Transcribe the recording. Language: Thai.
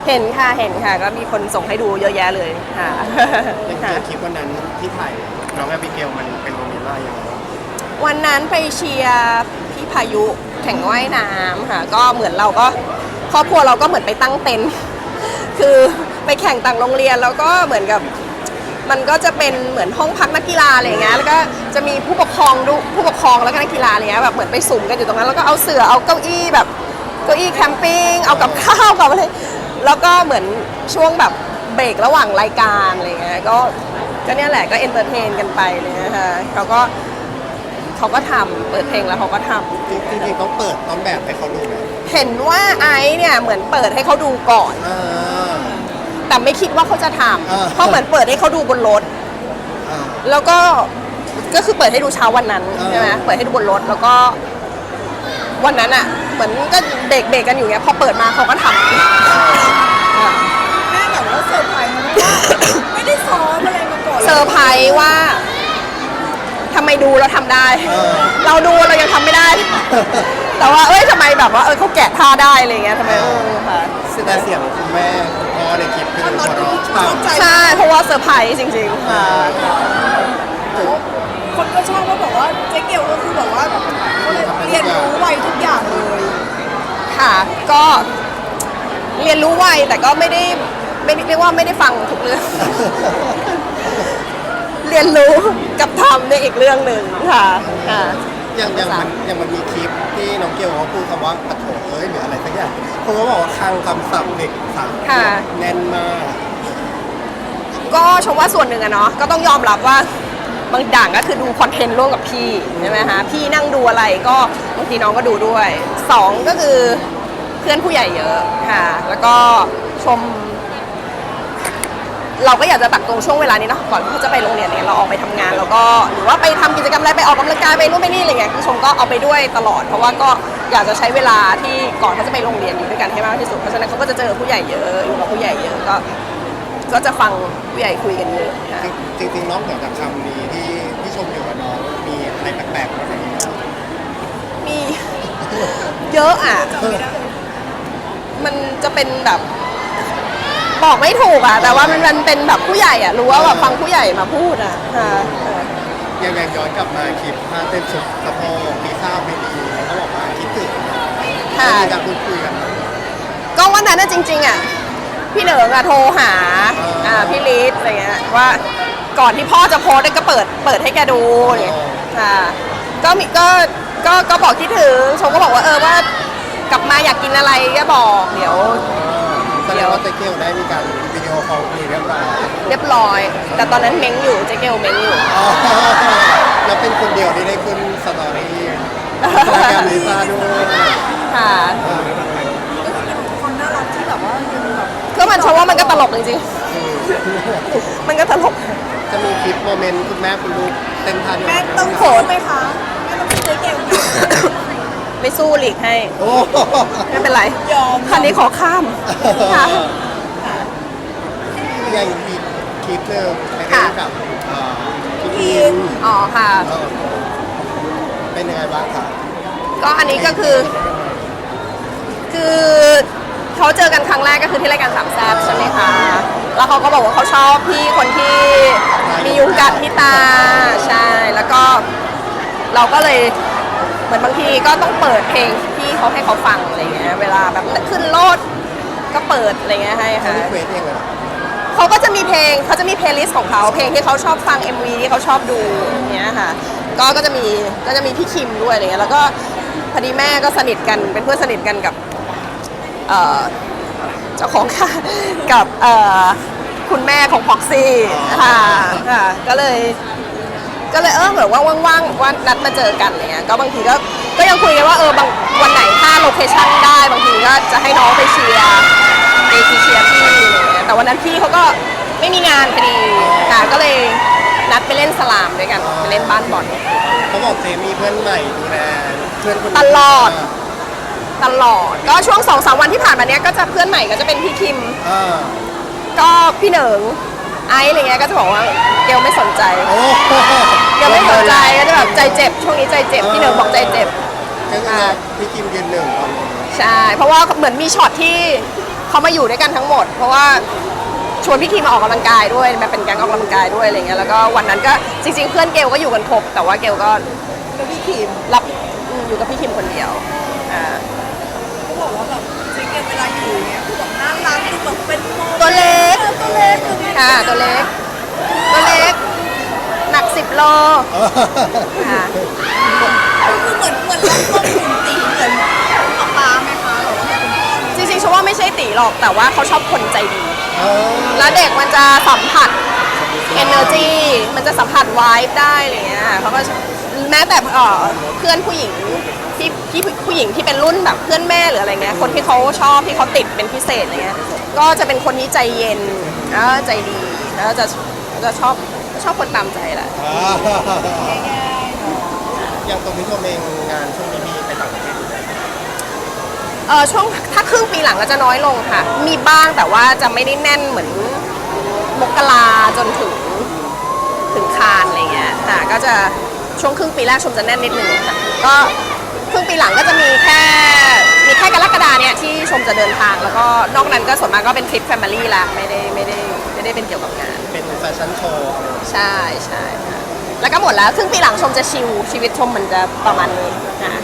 เห็นค่ะก็มีคนส่งให้ดูเยอะแยะเลยค่ะยังเจอคลิปวันนั้นที่ถ่ายน้องแอบิเกลมันเป็นโมเมนต์อะไรยังไงวันนั้นไปเชียร์พี่พายุแข่งว่ายน้ำค่ะก็เหมือนเราก็ครอบครัวเราก็เหมือนไปตั้งเต็นท์คือไปแข่งต่างโรงเรียนแล้วก็เหมือนกับมันก็จะเป็นเหมือนห้องพักนักกีฬาอะไรอย่างเงี้ยแล้วก็จะมีผู้ปกครองแล้วก็นักกีฬาอะไรเงี้ยแบบเหมือนไปสุ่มกันอยู่ตรงนั้นแล้วก็เอาเสื่อเอาเก้าอี้แบบเก้าอี้แคมปิ้งเอากับข้าวกับอะไรแล้วก็เหมือนช่วงแบบเบรกระหว่างรายการอะไรเงี้ยก็เนี่ยแหละก็เอนเตอร์เทนกันไปเลยนะคะเขาก็ทำเปิดเพลงแล้วเขาก็ทำจริงๆต้องเปิดต้นแบบให้เขาดูไหมเห็นว่าไอซ์เนี่ยเหมือนเปิดให้เขาดูก่อนแต่ไม่คิดว่าเขาจะทำเพราะเหมือนเปิดให้เขาดูบนรถแล้วก็คือเปิดให้ดูเช้าวันนั้นใช่ไหมเปิดให้ดูบนรถแล้วก็วันนั้นอ่ะเหมือนก็เด็กกันอยู่เงี้ยพอเปิดมาเขาก็ทำแม่แบบว่าเซอร์ไพรส์นะว่าไม่ได้ซ้อมอะไรมาก่อนเซอร์ไพรส์ว่าทำไมดูเราทำได้เราดูเรายังทำไม่ได้แต่ว่าทำไมแบบว่าเขาแกะท่าได้อะไรเงี้ยทำไมค่ะแต่เสียงคุณแม่คุณพ่อในคลิปคือหัวเราะใช่เพราะว่าเซอร์ไพรส์จริงๆค่ะคนก็ชอบว่าบอกว่าเจ๊เกียวก็คือแบบว่าเรียนรู้ไวทุกอย่างเลยค่ะก็เรียนรู้ไวแต่ก็ไม่ได้เรียกว่าไม่ได้ฟังทุกเรื่องเรียนรู้กับทำในอีกเรื่องหนึ่งค่ะอย่างมันมีคลิปที่น้องเกลเขาพูดคำว่าปะโถหรืออะไรสักอย่างเขาก็บอกว่าคลังคำศัพท์เด็กศัพท์แน่นมากก็ชมว่าส่วนหนึ่งอะเนาะก็ต้องยอมรับว่าบางด่างก็คือดูคอนเทนต์ร่วมกับพี่ใช่ไหมคะพี่นั่งดูอะไรก็บางทีน้องก็ดูด้วย2ก็คือเพื่อนผู้ใหญ่เยอะค่ะแล้วก็ชมเราก็อยากจะตักตรงช่วงเวลานี้เนาะก่อนที่เขาจะไปโรงเรียนเนี่ยเราออกไปทำงานแล้วก็หรือว่าไปทำกิจกรรมอะไรไปออกกำลังกายไปนู่นไปนี่อะไรเงี้ยชมก็เอาไปด้วยตลอดเพราะว่าก็อยากจะใช้เวลาที่ก่อนเขาจะไปโรงเรียนอยู่ด้วยกันให้มากที่สุดเพราะฉะนั้นเขาก็จะเจอผู้ใหญ่เยอะอยู่กับผู้ใหญ่เยอะก็จะฟังผู้ใหญ่คุยกันเยอะจริงๆน้องเหนือจากคำนี้ที่ชมอยู่กับน้องมีอะไรแปลกๆบ้างไหมมีเยอะอ่ะมันจะเป็นแบบบอกไม่ถูกอ่ะแต่ว่ามันเป็นแบบผู้ใหญ่อ่ะรู้ว่าแบบฟังผู้ใหญ่มาพูดอ่ะยังย้อนกลับมาคลิปผ้าเต้นสุดสะโพกมีข้าวไม่ดีเขาบอกว่าคิดถึงมีการพูดคุยกันก็วันนั้นจริงๆอ่ะพี่เหนิงอ่ะโทรหาพี่ลิศอะไรเงี้ยว่าก่อนที่พ่อจะโพสก็เปิดให้แกดูเนี่ยก็มีก็บอกคิดถึงชมก็บอกว่าว่ากลับมาอยากกินอะไรก็บอกเดี๋ยวแสดงว่าเจ๊เกลได้มีการวิดีโอคอลคุยเรียบร้อยแต่ตอนนั้นเม้งอยู่เจ๊เกลเม้งอยู่แล้วเป็นคนเดียวที่ได้ขึ้นสตอรี่แกมลิซ่าด้วยค่ะคนน่ารักที่แบบว่าก็มันชมว่ามันก็ตลกจริงๆมันก็ตลกจะมีคลิปโมเมนต์คุณแม่คุณลูกเต้นท่าแม่ต้องโผล่ไหมคะแม่ต้องเจ๊เกลไม่สู้หลีกให้ไม่เป็นไรยอมคันนี้ขอข้ามค่ะยังมีคลิปเรื่องกับทีมค่ะเป็นยังไงบ้างคะก็อันนี้ก็คือเขาเจอกันครั้งแรกก็คือที่รายการสามแซ่บใช่ไหมคะแล้วเขาก็บอกว่าเขาชอบพี่คนที่มียุงกัดที่ตาใช่แล้วก็เราก็เลยเหมือนบางทีก็ต้องเปิดเพลงที่เขาให้เขาฟังอะไรเงี้ยเวลาแบบขึ้นรถก็เปิดอะไรเงี้ยให้ค่ะเขาก็จะมีเพลงเขาจะมีเพลย์ลิสต์ของเขาเพลงที่เขาชอบฟัง MV ที่เขาชอบดูอย่างเงี้ยค่ะก็จะมีพี่คิมด้วยอะไรเงี้ยแล้วก็พอดีแม่ก็สนิทกันเป็นเพื่อนสนิทกันกับเจ้าของค่ะกับคุณแม่ของพ็อกซี่ค่ะก็เลยเหมือนว่าว่างๆว่านัดมาเจอกันอะไรเงี้ยก็บางทีก็ยังคุยกันว่าบางวันไหนถ้าโลเคชั่นได้บางทีก็จะให้น้องไปเชียร์พี่อะไรเงี้ยแต่วันนั้นพี่เขาก็ไม่มีงานพอดีค่ะก็เลยนัดไปเล่นสลามด้วยกันไปเล่นบ้านบอลเขาบอกเจมีเพื่อนใหม่ดูแลเพื่อนคนตลอดก็ช่วง 2-3 วันที่ผ่านมาเนี้ยก็จะเพื่อนใหม่ก็จะเป็นพี่คิมก็พี่เหนิงไอซ์อะไรเงี้ยก็จะบอกว่าเกลไม่สนใจเกลไม่สนใจก็จะแบบใจเจ็บช่วงนี้ใจเจ็บพี่เหนิงบอกใจเจ็บก็คือพี่คิมยืนหนึ่งใช่เพราะว่าเหมือนมีช็อตที่เขามาอยู่ด้วยกันทั้งหมด เพราะว่าชวนพี่ทีมาออกกำลังกายด้วยมาเป็นแก๊งออกกำลังกายด้วยอะไรเงี้ยแล้วก็วันนั้นก็จริงๆเพื่อนเกลก็อยู่กันครบแต่ว่าเกลก็แล้วพี่คิมรับอยู่กับพี่ทีมคนเดียวอ่าเขาบอกว่าแบบจริงๆเวลาอยู่เนี้ยคือแบบน่ารักคือแบบเป็นโมตัวเล็กตัวเล็กคือค่ะตัวเล็กหนัก10 โลค่ะคือเหมือนเราควบคุมตีเหมือนป๊าไหมคะหรือว่าเป็นพ่อจริงๆฉันว่าไม่ใช่ตีหรอกแต่ว่าเขาชอบคนใจดีเออแล้วเด็กมันจะสัมผัส energy มันจะสัมผัส vibe ได้อะไรเงี้ยเขาก็แม้แต่เพื่อนผู้หญิงที่ผู้หญิงที่เป็นรุ่นแบบเพื่อนแม่หรืออะไรเงี้ยคนที่เขาชอบที่เขาติดเป็นพิเศษอะไรเงี้ยก็จะเป็นคนที่ใจเย็นแล้วก็ใจดีแล้วก็จะชอบคนตามใจแหละอย่างตรงนี้ชมเองงานช่วงนี้มีไปต่างประเทศอยู่ไหมช่วงถ้าครึ่งปีหลังก็จะน้อยลงค่ะ มีบ้างแต่ว่าจะไม่ได้แน่นเหมือนมกราจนถึงคานอะไรเงี้ยค่ะก็จะช่วงครึ่งปีแรกชมจะแน่นนิดนึงค่ะก็ครึ่งปีหลังก็จะมีแค่กรกฎาเนี่ยที่ชมจะเดินทาง แล้วก็นอกนั้นก็ส่วนมากก็เป็นทริปแฟมิลี่ละไม่ได้เป็นเกี่ยวกับงานเป็นแฟชั่นโชว์ใช่ค่ะแล้วก็หมดแล้วครึ่งปีหลังชมจะชิลชีวิตชมมันจะประมาณนี้ค่ะ